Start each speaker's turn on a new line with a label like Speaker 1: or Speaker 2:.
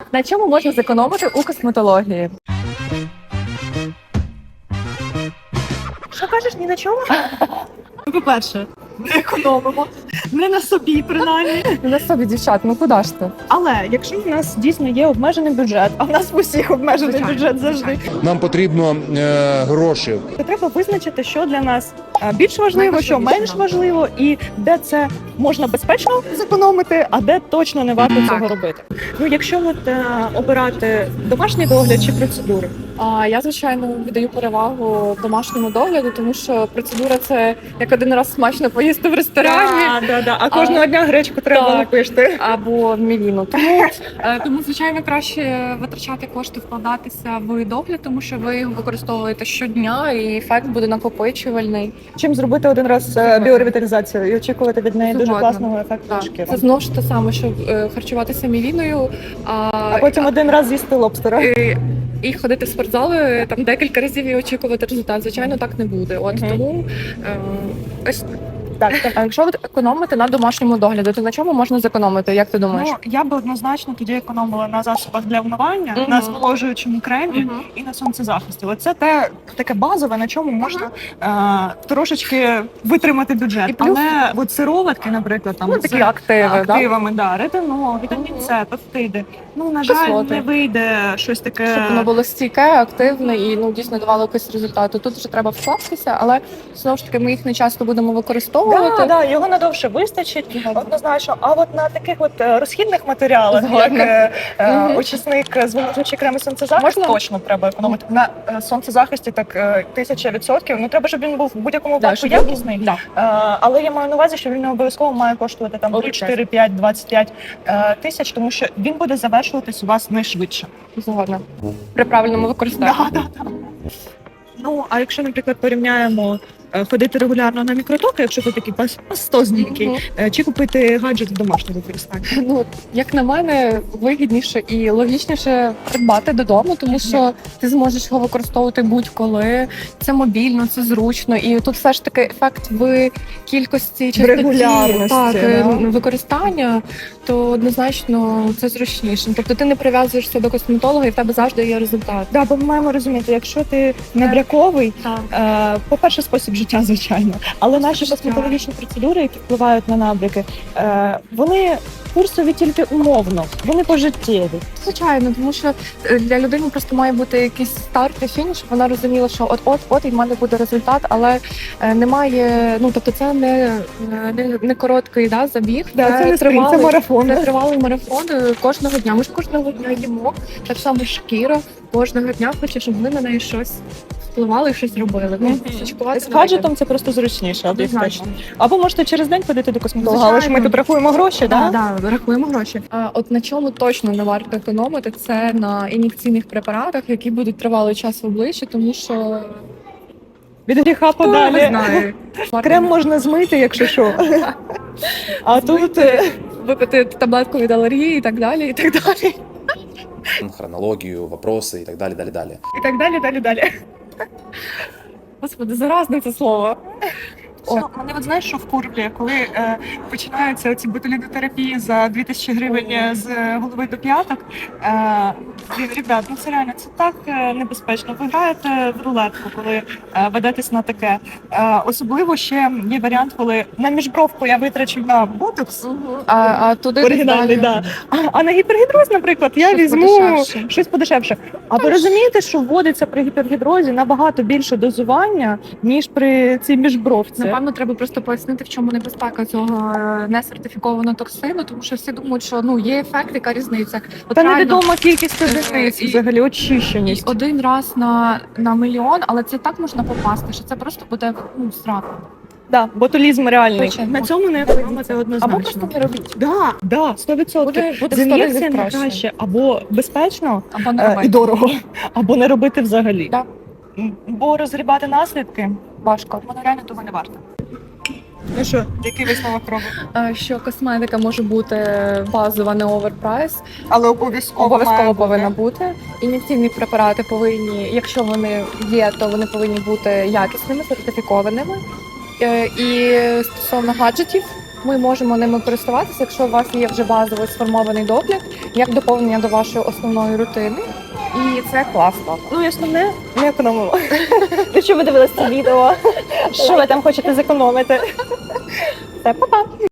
Speaker 1: На чому можна зекономити у косметології?
Speaker 2: Що кажеш, ні на чому? По-перше, не економимо. Не на собі, принаймні.
Speaker 1: На собі, дівчат, ну куди ж ти?
Speaker 2: Але якщо у нас дійсно є обмежений бюджет, а в нас в усіх обмежений
Speaker 1: Звичайно.
Speaker 2: бюджет завжди,
Speaker 3: Нам потрібно гроші.
Speaker 2: то треба визначити, що для нас більш важливо, що
Speaker 1: Найважливіше,
Speaker 2: менш
Speaker 1: да.
Speaker 2: важливо, і де це можна безпечно зекономити, а де точно не варто
Speaker 1: Так.
Speaker 2: цього робити. Ну, якщо обирати домашній догляд чи процедури,
Speaker 1: Я, звичайно, віддаю перевагу домашньому догляду, тому що процедура – це як один раз смачно поїсти в ресторані.
Speaker 2: А кожного дня гречку треба
Speaker 1: Так.
Speaker 2: напишти.
Speaker 1: Або мівіну. Тому, звичайно, краще витрачати кошти, вкладатися в догляд, тому що ви його використовуєте щодня, і ефект буде накопичувальний.
Speaker 2: Чим зробити один раз біоревіталізацію і очікувати від неї дуже
Speaker 1: Згодна.
Speaker 2: класного ефекту
Speaker 1: Так.
Speaker 2: шкіри.
Speaker 1: Це знову ж те саме, що харчуватися мівіною,
Speaker 2: А потім один раз з'їсти лобстера.
Speaker 1: і ходити в спортзали там декілька разів і очікувати результат. Звичайно, так не буде. От
Speaker 2: Мгм.
Speaker 1: тому ось.
Speaker 2: Так.
Speaker 1: А якщо ви економите на домашньому догляді, то на чому можна зекономити? Як ти думаєш?
Speaker 2: Ну, я би однозначно тоді економила на засобах для вмивання,
Speaker 1: Мгм.
Speaker 2: на зволожуючому кремі
Speaker 1: Мгм.
Speaker 2: і на сонцезахисті. Оце таке базове, на чому можна трошечки витримати бюджет.
Speaker 1: І плюс-
Speaker 2: Але от сироватки, наприклад, там
Speaker 1: Ну,
Speaker 2: з
Speaker 1: такі активи, да?
Speaker 2: активами, ретинол, вітамін
Speaker 1: Мгм.
Speaker 2: С, пептиди. Ну, на жаль,
Speaker 1: Кислоти.
Speaker 2: не вийде щось таке.
Speaker 1: Щоб воно було стійке, активне і дійсно давало якийсь результат. Тут вже треба вкластися, але знову ж таки ми їх не часто будемо використовувати.
Speaker 2: Його надовше вистачить, однозначно. А от на таких розхідних матеріалах,
Speaker 1: Згодна.
Speaker 2: як
Speaker 1: Мгм.
Speaker 2: очисник, зволожуючий крем і сонцезахист,
Speaker 1: Можна?
Speaker 2: точно треба економити. На сонцезахисті так 1000%. Ну треба, щоб він був в будь-якому
Speaker 1: Да,
Speaker 2: випадку
Speaker 1: щоб
Speaker 2: якісний.
Speaker 1: Да.
Speaker 2: Але я маю на увазі, що він не обов'язково має коштувати там 3, 4, 5, 25 тисяч, тому що він буде завершуватись у вас найшвидше.
Speaker 1: Згодна. При правильному використанні.
Speaker 2: Да. Ну, а якщо, наприклад, порівняємо ходити регулярно на мікротоки, якщо ви такий пастозненький,
Speaker 1: Мгм.
Speaker 2: чи купити гаджет в домашньому використанні?
Speaker 1: Ну, як на мене, вигідніше і логічніше придбати додому, тому що ти зможеш його використовувати будь-коли. Це мобільно, це зручно, і тут все ж таки ефект в кількості частоті,
Speaker 2: регулярності,
Speaker 1: так,
Speaker 2: да.
Speaker 1: використання, то однозначно це зручніше. Тобто ти не прив'язуєшся до косметолога, і в тебе завжди є результат.
Speaker 2: Да, бо ми маємо розуміти, якщо ти набряковий,
Speaker 1: Так.
Speaker 2: по-перше, спосіб життя, звичайно, але наші
Speaker 1: життя.
Speaker 2: косметологічні процедури, які впливають на набряки, вони курсові тільки умовно, вони пожиттєві.
Speaker 1: Звичайно, тому що для людини просто має бути якийсь старт і фініш, щоб вона розуміла, що от і в мене буде результат, але немає, тобто це не короткий забіг,
Speaker 2: Це не спринт, це марафон.
Speaker 1: Це тривалий марафон кожного дня. Ми ж кожного дня їмо, так само шкіра кожного дня хоче, щоб ми на неї щось впливали і щось робили. Слідкувати
Speaker 2: З
Speaker 1: за нею.
Speaker 2: гаджетом це просто зручніше, об'єктивно.
Speaker 1: Однозначно.
Speaker 2: Або можете через день ходити до косметолога, але ж ми
Speaker 1: Звичайно.
Speaker 2: тут рахуємо гроші,
Speaker 1: Да,
Speaker 2: да?
Speaker 1: да, рахуємо гроші. От на чому точно не варто економити, це на ін'єкційних препаратах, які будуть тривалий час в обличчі, тому що
Speaker 2: Від гріха
Speaker 1: хто не
Speaker 2: подалі.
Speaker 1: знає.
Speaker 2: Крем можна змити, якщо що. А тут
Speaker 1: Випити таблетку від алергії і так далі, і так далі.
Speaker 4: Хронологію, вопроси і так далі, далі, далі.
Speaker 2: і так далі.
Speaker 1: Господи, заразне це слово.
Speaker 2: Мене от знаєш, що вкурблює, коли починаються ці ботулінотерапії за 2000 гривень з голови до п'яток. Ребят, це реально це так небезпечно. Ви граєте в рулетку, коли ведетесь на таке. Особливо ще є варіант, коли на міжбровку я витрачу на ботокс.
Speaker 1: А туди
Speaker 2: Оригінальний,
Speaker 1: далі.
Speaker 2: да. А на гіпергідроз, наприклад, я
Speaker 1: Щось
Speaker 2: візьму
Speaker 1: подешевше.
Speaker 2: щось подешевше. А ви розумієте, що вводиться при гіпергідрозі набагато більше дозування, ніж при цій міжбровці?
Speaker 1: Напевно, треба просто пояснити, в чому небезпека цього несертифікованого токсину, тому що всі думають, що є ефект, яка різниця. От
Speaker 2: Та
Speaker 1: реально,
Speaker 2: невідома кількість одиниць
Speaker 1: і-
Speaker 2: взагалі
Speaker 1: і
Speaker 2: очищеність.
Speaker 1: один раз на мільйон, але це так можна попасти, що це просто буде страх.
Speaker 2: Да, ботулізм реальний.
Speaker 1: Звичайно.
Speaker 2: На цьому не економити
Speaker 1: Або
Speaker 2: однозначно.
Speaker 1: просто не робіть.
Speaker 2: Да, 100%.
Speaker 1: Буде
Speaker 2: З
Speaker 1: 100 разів
Speaker 2: ін'єкціями
Speaker 1: краще.
Speaker 2: краще або безпечно
Speaker 1: Або не
Speaker 2: і
Speaker 1: робити.
Speaker 2: дорого, або не робити взагалі.
Speaker 1: Да.
Speaker 2: Бо розгрібати наслідки,
Speaker 1: Важко.
Speaker 2: воно реально того не варто. Ну що, який висновок робимо?
Speaker 1: Що косметика може бути базова, не оверпрайс,
Speaker 2: Але обов'язково
Speaker 1: обов'язково повинна бути. Ін'єкційні препарати повинні, якщо вони є, то вони повинні бути якісними, сертифікованими. І стосовно гаджетів, ми можемо ними користуватися, якщо у вас є вже базовий сформований догляд, як доповнення до вашої основної рутини. І це класно.
Speaker 2: Ну і основне, не економимо. Якщо ви дивилися це відео, що ви там хочете зекономити? Все, па-па!